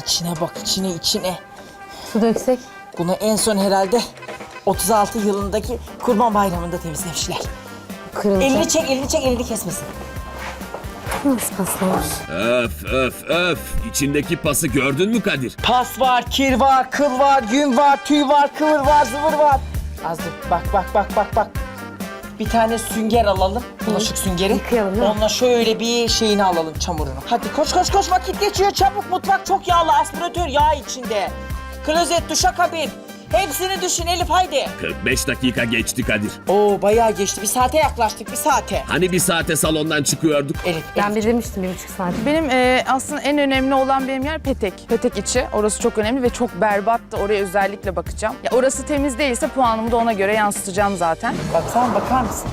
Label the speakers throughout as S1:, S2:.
S1: İçine bak, içine.
S2: Su döksek.
S1: Bunu en son herhalde 36 yılındaki Kurban Bayramı'nda temizlemişler.
S2: Kırılacak.
S1: Elini çek, elini kesmesin.
S2: Nasıl paslamış?
S3: Öf. İçindeki pası gördün mü Kadir?
S1: Pas var, kir var, kıl var, yün var, tüy var, kıvır var, zıvır var. Az dur, bak. Bir tane sünger alalım, bulaşık süngeri.
S2: Yıkayalım, değil mi?
S1: Onunla şöyle bir şeyini alalım, çamurunu. Hadi koş, vakit geçiyor çabuk. Mutfak çok yağlı, aspiratör yağ içinde. Klozet, duşakabin. Hepsini düşün Elif, haydi.
S3: 45 dakika geçti Kadir.
S1: Oo, bayağı geçti. Bir saate yaklaştık, bir saate.
S3: Hani bir saate salondan çıkıyorduk?
S1: Elif.
S2: Ben bir demiştim 1,5 saat.
S4: Benim aslında en önemli olan benim yer petek. Petek içi. Orası çok önemli ve çok berbattı. Oraya özellikle bakacağım. Ya orası temiz değilse puanımı da ona göre yansıtacağım zaten.
S1: Baksana, bakar mısın?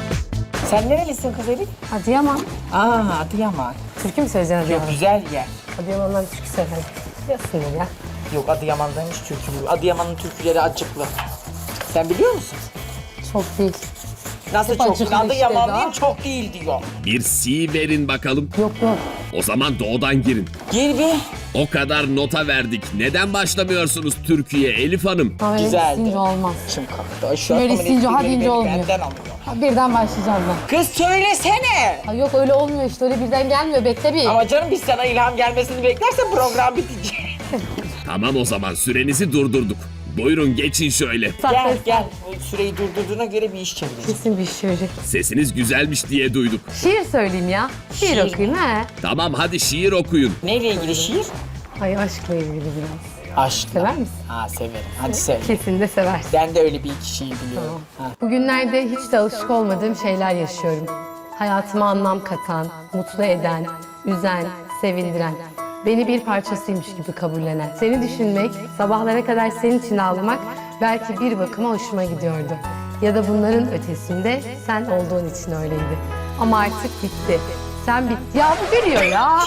S1: Sen nerelisin kız Elif?
S2: Adıyaman.
S1: Adıyaman.
S2: Türkü mü söyleyeceksin
S1: Yok,
S2: Adıyaman?
S1: güzel yer.
S2: Adıyaman'dan türkü söylerim. Biliyorsundur ya.
S1: Yok, Adıyaman'daymış türkü. Adıyaman'ın türküleri acıklı. Sen biliyor musun?
S2: Çok değil.
S1: Nasıl
S2: Hep
S1: çok
S2: acıklı
S1: değil?
S2: işte
S1: Adıyamanlıyım,
S2: daha.
S1: çok değil diyor.
S3: Bir si verin bakalım.
S2: Yok.
S3: O zaman doğudan girin.
S1: Gir bir.
S3: O kadar nota verdik. Neden başlamıyorsunuz Türkiye Elif Hanım?
S2: Ama öyle
S1: Güzeldi.
S2: isteyince olmaz.
S1: Şimdi kalktı. Ay, şu
S2: Böyle
S1: adamın
S2: isteyince
S1: esprileri
S2: deyince
S1: beni
S2: olmuyor.
S1: benden alıyor.
S2: Ha, birden başlayacağım ben.
S1: Kız söylesene.
S2: Ha, yok öyle olmuyor işte. Öyle birden gelmiyor. Bekle bir.
S1: Ama canım, biz sana ilham gelmesini beklersen program bitecek.
S3: Tamam, o zaman sürenizi durdurduk. Buyurun geçin şöyle.
S1: Gel. O süreyi durdurduğuna göre bir iş çevireceğiz.
S2: Kesin bir şey söyleyecek.
S3: Sesiniz güzelmiş diye duyduk.
S2: Şiir söyleyeyim ya. Şiir
S1: Şiir.
S2: okuyayım he.
S3: Tamam, hadi şiir okuyun.
S1: Neyle ilgili şiir?
S2: Ay aşkla ilgili biraz.
S1: Aşk.
S2: Sever misin?
S1: Ha, severim. Hadi söyle.
S2: Kesin de seversin.
S1: Ben de öyle bir iki şiir biliyorum. Ha.
S2: Bugünlerde hiç de alışık olmadığım şeyler yaşıyorum. Hayatıma anlam katan, mutlu eden, üzen, sevindiren. Beni bir parçasıymış gibi kabullenen. Seni düşünmek, sabahlara kadar senin için ağlamak belki bir bakıma hoşuma gidiyordu. Ya da bunların ötesinde sen olduğun için öyleydi. Ama artık bitti. Sen bitti. Ya bu gülüyor ya.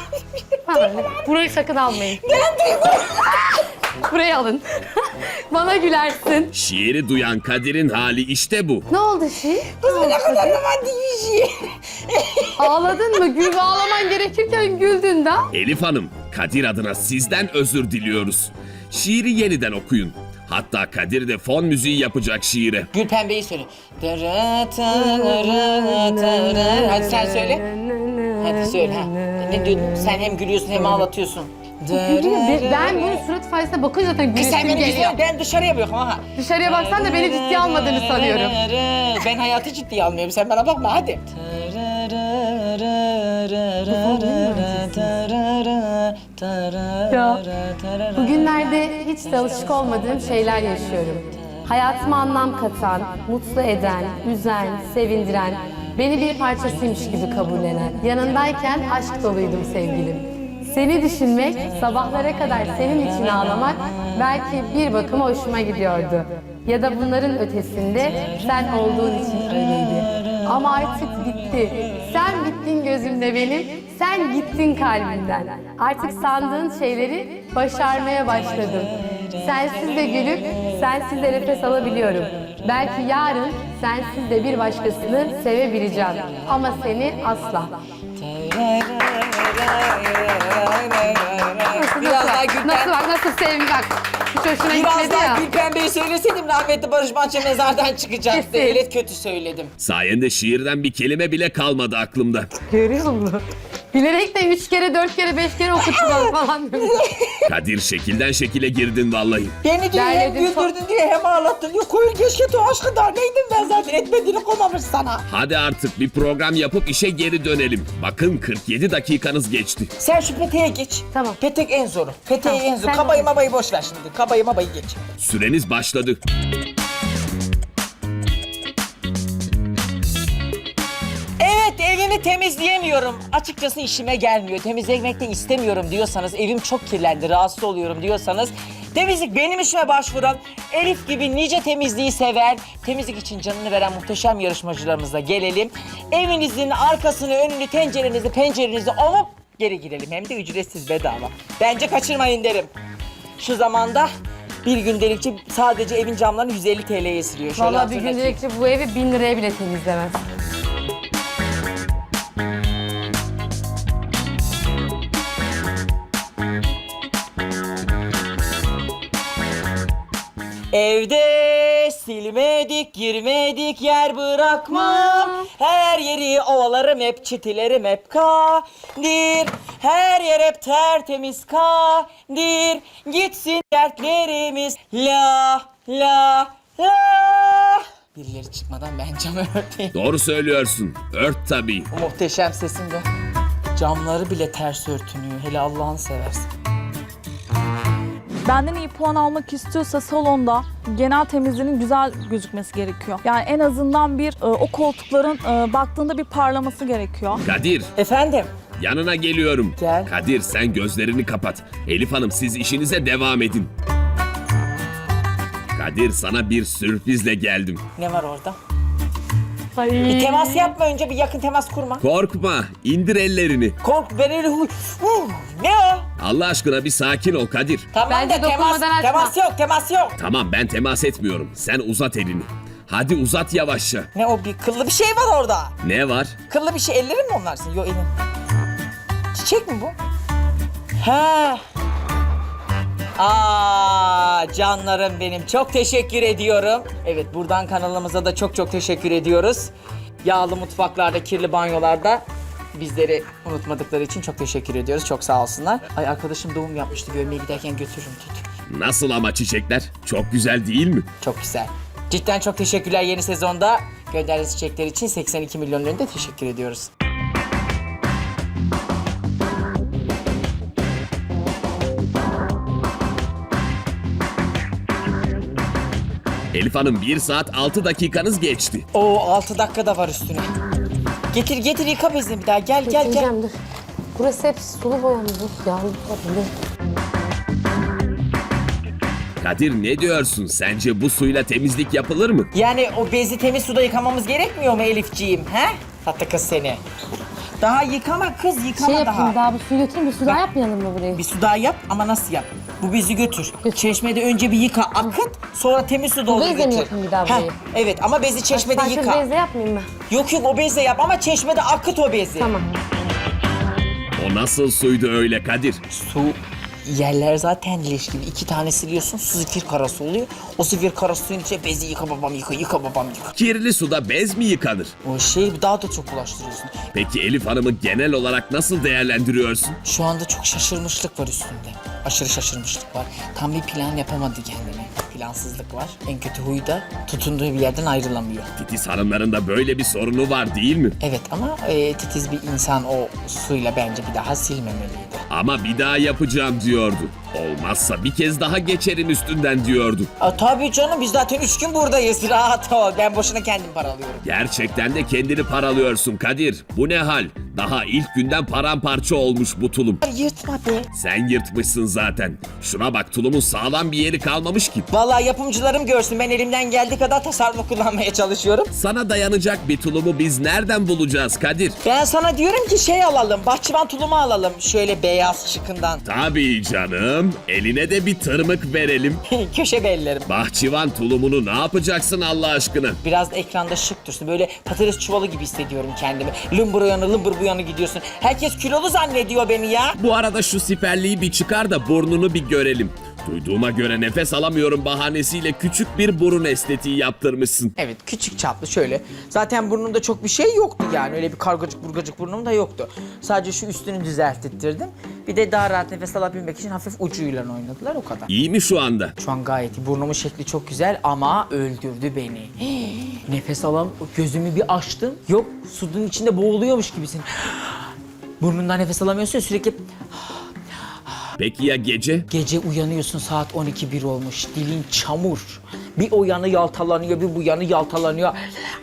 S2: Burayı sakın almayın. Burayı alın. Bana gülersin.
S3: Şiiri duyan Kadir'in hali işte bu.
S2: Ne oldu şiir?
S1: Ne kadar romantik bir şiir.
S2: Ağladın mı? Gül ve ağlaman gerekirken güldün de.
S3: Elif Hanım, Kadir adına sizden özür diliyoruz. Şiiri yeniden okuyun. Hatta Kadir de fon müziği yapacak şiire.
S1: Gül Pembe'yi söyle. Hadi sen söyle. Hadi söyle. Ha. Ne diyordun? Sen hem gülüyorsun hem ağlatıyorsun.
S2: Ben bunun surat ifadesine bakınca zaten
S1: Kız sen
S2: gülüşüm
S1: beni
S2: geliyor.
S1: güzel, ben dışarıya bakıyorum ha.
S2: Dışarıya baksan da beni ciddiye almadığını sanıyorum.
S1: Ben hayatı ciddiye almıyorum. Sen bana bakma hadi.
S2: Ya, bugünlerde hiç de alışık olmadığım şeyler yaşıyorum. Hayatıma anlam katan, mutlu eden, üzen, sevindiren, beni bir parçasıymış gibi kabullenen. Yanındayken aşk doluydum sevgilim. Seni düşünmek, sabahlara kadar senin için ağlamak belki bir bakıma hoşuma gidiyordu. Ya da bunların ötesinde sen olduğun için öyleydi. Ama artık bitti. Sen bittin gözümde benim, sen gittin kalbimden. Artık sandığın şeyleri başarmaya başladım. Sensiz de gülüp, sensiz de nefes alabiliyorum. Belki yarın sensiz de bir başkasını sevebileceğim. Ama seni asla.
S1: Biraz daha
S2: Nasıl bak, nasıl sevim bak. Hiç hoşuna
S1: Biraz
S2: gitmedi
S1: daha
S2: ya.
S1: Gül Pembe'yi söyleseydim rahmetli Barış Manço mezardan çıkacaktı.
S2: Kesin.
S1: Evet, kötü söyledim.
S3: Sayende şiirden bir kelime bile kalmadı aklımda.
S2: Görüyor musun? Bilerek de 3 kere, 4 kere, 5 kere okuttular falan.
S3: Kadir, şekilden şekile girdin vallahi.
S1: Beni diyor hem
S2: Derledim,
S1: güldürdün diyor hem ağlattın diyor. Koyun keşke tu aşkı dar neydim ben zaten etmediğini koymamış sana.
S3: Hadi artık bir program yapıp işe geri dönelim. Bakın 47 dakikanız geçti.
S1: Sen şu peteğe geç.
S2: Tamam.
S1: Petek en zoru. Peteği
S2: Tamam,
S1: en zoru.
S2: sen
S1: Kabayı
S2: de.
S1: mabayı boş ver şimdi. Kabayı mabayı geç.
S3: Süreniz başladı.
S1: Evet, evimi temizleyemiyorum. Açıkçası işime gelmiyor. Temizlemek de istemiyorum diyorsanız, evim çok kirlendi, rahatsız oluyorum diyorsanız temizlik benim işime başvuran, Elif gibi nice temizliği seven, temizlik için canını veren muhteşem yarışmacılarımızla gelelim. Evinizin arkasını, önünü, tencerenizi, pencerenizi ovup geri girelim. Hem de ücretsiz, bedava. Bence kaçırmayın derim. Şu zamanda bir gündelikçi sadece evin camlarını 150 TL'ye siliyor. Şöyle
S2: Vallahi bir
S1: hatırlatayım.
S2: gündelikçi bu evi 1000 liraya bile temizlemez.
S1: Evde silmedik, girmedik, yer bırakmam. Her yeri ovalarım hep, çitilerim hep kadir. Her yer hep tertemiz kadir. Gitsin dertlerimiz la la la. Birileri çıkmadan ben camı örteyim.
S3: Doğru söylüyorsun. Ört tabii.
S1: O muhteşem sesimde. Camları bile ters örtünüyor. Hele Allah'ını seversen.
S5: Benden iyi puan almak istiyorsa salonda genel temizliğinin güzel gözükmesi gerekiyor. Yani en azından o koltukların baktığında bir parlaması gerekiyor.
S3: Kadir,
S1: Efendim?
S3: yanına geliyorum.
S1: Gel.
S3: Kadir, sen gözlerini kapat. Elif Hanım, siz işinize devam edin. Kadir, sana bir sürprizle geldim.
S1: Ne var orada?
S2: Ay.
S1: Bir temas yapma önce, bir yakın temas kurma.
S3: Korkma, indir ellerini.
S1: Kork, ben öyle ne o?
S3: Allah aşkına bir sakin ol Kadir.
S1: Tamam
S2: Bence
S1: da temas,
S2: dokunmadan açma.
S1: temas yok, temas yok.
S3: Tamam, ben temas etmiyorum. Sen uzat elini. Hadi uzat yavaşça.
S1: Ne o, bir kıllı bir şey var orada.
S3: Ne var?
S1: Kıllı bir şey, ellerin mi onlarsın? Yok, elin. Çiçek mi bu? He. Canlarım benim, çok teşekkür ediyorum. Evet, buradan kanalımıza da çok çok teşekkür ediyoruz. Yağlı mutfaklarda, kirli banyolarda bizleri unutmadıkları için çok teşekkür ediyoruz. Çok sağ olsunlar. Ay, arkadaşım doğum yapmıştı, görmeye giderken götürürüm tut.
S3: Nasıl ama çiçekler? Çok güzel değil mi?
S1: Çok güzel. Cidden çok teşekkürler yeni sezonda. Gönderdiğiniz çiçekler için 82 milyon önünde teşekkür ediyoruz.
S3: Elif Hanım, 1 saat 6 dakikanız geçti.
S1: Oo, 6 dakika da var üstüne. Getir yıka bezini bir daha. Gel.
S2: Getireceğim, dur. Burası hep sulu boya mı? Dur ya. Dur.
S3: Kadir, ne diyorsun? Sence bu suyla temizlik yapılır mı?
S1: Yani o bezi temiz suda yıkamamız gerekmiyor mu Elifciğim? He? Tatlı kız seni. Daha yıkama kız, yıkama
S2: Şey
S1: daha.
S2: yapayım, daha bir suyu götüreyim, bir su daha yapmayalım mı burayı?
S1: Bir su daha yap ama nasıl yap? Bu bezi götür. Çeşmede önce bir yıka, akıt, sonra temiz su doldur
S2: bezle
S1: götür.
S2: mi yapayım bir daha
S1: Heh,
S2: burayı?
S1: evet ama bezi çeşmede
S2: Farklı
S1: yıka.
S2: bezle yapmayayım mı?
S1: Yok o bezle yap ama çeşmede akıt o bezi.
S2: Tamam.
S3: O nasıl suydu öyle Kadir?
S1: Su yerler zaten leş gibi. 2 tane siliyorsun, su zifir karası oluyor. O zifir karası suyun içine bezi yıka babam yıka babam yıka.
S3: Kirli suda bez mi yıkanır?
S1: O şey daha da çok ulaştırıyorsun.
S3: Peki Elif Hanım'ı genel olarak nasıl değerlendiriyorsun?
S1: Şu anda çok şaşırmışlık var üstünde. Aşırı şaşırmışlık var. Tam bir plan yapamadı kendine. Plansızlık var. En kötü huyu da tutunduğu bir yerden ayrılamıyor.
S3: Titiz hanımların da böyle bir sorunu var değil mi?
S1: Evet ama titiz bir insan o suyla bence bir daha silmemeliydi.
S3: Ama bir daha yapacağım diyordu. Olmazsa bir kez daha geçerim üstünden diyordu.
S1: Tabii canım, biz zaten 3 gün buradayız. Rahat ol. Ben boşuna kendim paralıyorum.
S3: Gerçekten de kendini paralıyorsun Kadir. Bu ne hal? Daha ilk günden paramparça olmuş bu tulum.
S1: Yırtma be.
S3: Sen yırtmışsın zaten. Şuna bak, tulumun sağlam bir yeri kalmamış ki.
S1: Vallahi yapımcılarım görsün. Ben elimden geldiği kadar tasarruf kullanmaya çalışıyorum.
S3: Sana dayanacak bir tulumu biz nereden bulacağız Kadir?
S1: Ben sana diyorum ki şey alalım. Bahçıvan tulumu alalım. Şöyle beyaz şıkından.
S3: Tabii canım. Eline de bir tırmık verelim.
S1: Köşe bellerim.
S3: Bahçıvan tulumunu ne yapacaksın Allah aşkına?
S1: Biraz da ekranda şık dursun. Böyle patates çuvalı gibi hissediyorum kendimi. Lımbır o yana, lımbır bu yana gidiyorsun. Herkes kilolu zannediyor beni ya.
S3: Bu arada şu siperliği bir çıkar da burnunu bir görelim. Duyduğuma göre nefes alamıyorum bahanesiyle küçük bir burun estetiği yaptırmışsın.
S1: Evet, küçük çaplı şöyle. Zaten burnumda çok bir şey yoktu yani. Öyle bir kargacık burgacık burnum da yoktu. Sadece şu üstünü düzelttirdim. Bir de daha rahat nefes alabilmek için hafif ucuyla oynadılar, o kadar.
S3: İyi mi şu anda?
S1: Şu an gayet iyi. Burnumun şekli çok güzel ama öldürdü beni. Nefes gözümü bir açtım. Yok, sudun içinde boğuluyormuş gibisin. Burnundan nefes alamıyorsun ya, sürekli.
S3: Peki ya gece?
S1: Gece uyanıyorsun, saat 12-1 olmuş. Dilin çamur. Bir o yanı yaltalanıyor, bir bu yanı yaltalanıyor.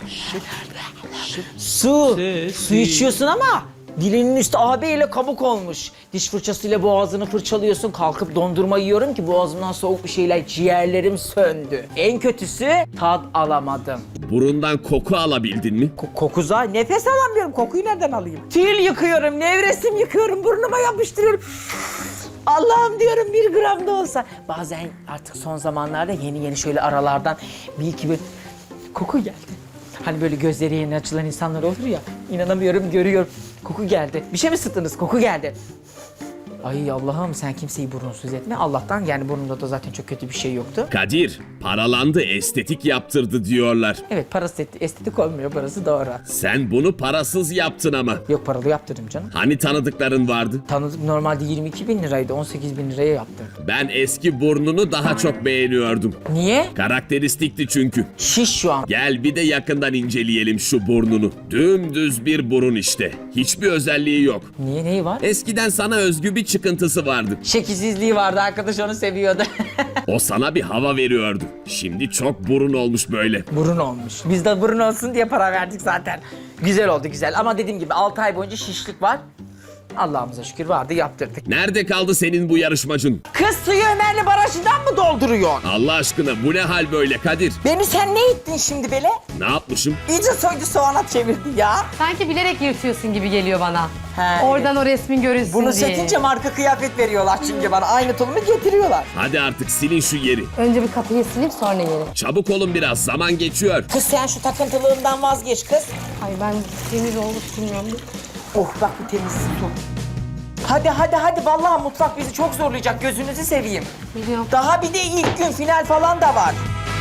S1: Su içiyorsun ama dilinin üstü ağabeyle kabuk olmuş. Diş fırçasıyla boğazını fırçalıyorsun. Kalkıp dondurma yiyorum ki boğazımdan soğuk bir şeyler, ciğerlerim söndü. En kötüsü tat alamadım.
S3: Burundan koku alabildin mi?
S1: Kokuza nefes alamıyorum. Kokuyu nereden alayım? Tül yıkıyorum, nevresim yıkıyorum, burnuma yapıştırıyorum. Allah'ım diyorum, 1 gram da olsa. Bazen artık son zamanlarda yeni şöyle aralardan bir iki bir koku geldi. Hani böyle gözleri yeni açılan insanlar olur ya. İnanamıyorum, görüyorum. Koku geldi. Bir şey mi sıktınız? Koku geldi. Ay Allah'ım sen kimseyi burnunsuz etme. Allah'tan yani burnumda da zaten çok kötü bir şey yoktu.
S3: Kadir, paralandı, estetik yaptırdı diyorlar.
S1: Evet parası estetik olmuyor, parası doğru.
S3: Sen bunu parasız yaptın ama.
S1: Yok paralı yaptırdım canım.
S3: Hani tanıdıkların vardı?
S1: Tanıdık normalde 22 bin liraydı, 18 bin liraya yaptırdım.
S3: Ben eski burnunu daha çok beğeniyordum.
S1: Niye?
S3: Karakteristikti çünkü.
S1: Şiş şu an.
S3: Gel bir de yakından inceleyelim şu burnunu. Dümdüz bir burun işte. Hiçbir özelliği yok.
S1: Niye, neyi var?
S3: Eskiden sana özgü bir çıkıntısı vardı.
S1: Şekilsizliği vardı, arkadaş onu seviyordu.
S3: O sana bir hava veriyordu. Şimdi çok burun olmuş böyle.
S1: Burun olmuş. Biz de burun olsun diye para verdik zaten. Güzel oldu güzel ama dediğim gibi 6 ay boyunca şişlik var. Allah'ımıza şükür vardı, yaptırdık.
S3: Nerede kaldı senin bu yarışmacın?
S1: Kız suyu Ömerli Barajı'ndan mı dolduruyorsun?
S3: Allah aşkına bu ne hal böyle Kadir?
S1: Beni sen ne ettin şimdi böyle?
S3: Ne yapmışım?
S1: İyice soydu soğana çevirdi ya.
S2: Sanki bilerek yırtıyorsun gibi geliyor bana.
S1: He,
S2: Oradan o resmin görünsün
S1: Bunu
S2: diye.
S1: sökünce marka kıyafet veriyorlar çünkü bana. Aynı tulumu getiriyorlar.
S3: Hadi artık silin şu yeri.
S2: Önce bir kapıyı sileyim sonra yeri.
S3: Çabuk olun biraz, zaman geçiyor.
S1: Kız sen şu takıntılığından vazgeç kız.
S2: Ay ben temiz olduk bilmiyorum.
S1: Oh bak bu temiz su. Hadi hadi hadi vallahi mutfak bizi çok zorlayacak, gözünüzü seveyim.
S2: Biliyorum.
S1: Daha bir de ilk gün final falan da var.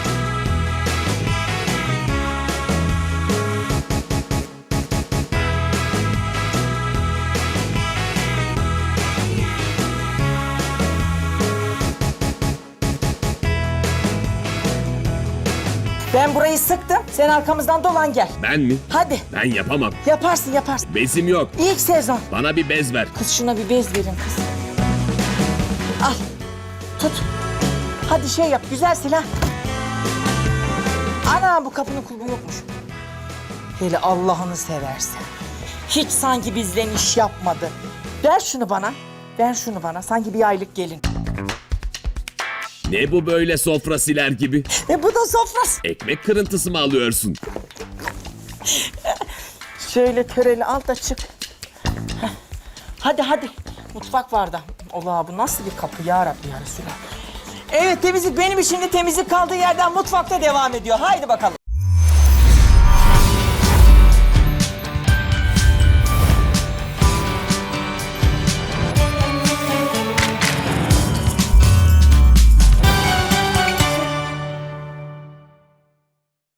S1: Ben burayı sıktım. Sen arkamızdan dolan gel.
S3: Ben mi?
S1: Hadi.
S3: Ben yapamam.
S1: Yaparsın yaparsın.
S3: Bezim yok.
S1: İlk sezon.
S3: Bana bir bez ver.
S1: Kız şuna bir bez verin kız. Al. Tut. Hadi şey yap. Güzel silah. Ana bu kapının kulbu yokmuş. Hele Allah'ını seversen. Hiç sanki bizden iş yapmadı. Ver şunu bana. Ver şunu bana. Sanki bir aylık gelin.
S3: Ne bu böyle sofra siler gibi?
S1: Bu da sofrası.
S3: Ekmek kırıntısı mı alıyorsun?
S1: Şöyle töreli al da çık. Heh. Hadi hadi. Mutfak var da. Allah bu nasıl bir kapı ya Rabbi ya Resulallah. Evet temizlik benim için de temizlik kaldığı yerden mutfakta devam ediyor. Haydi bakalım.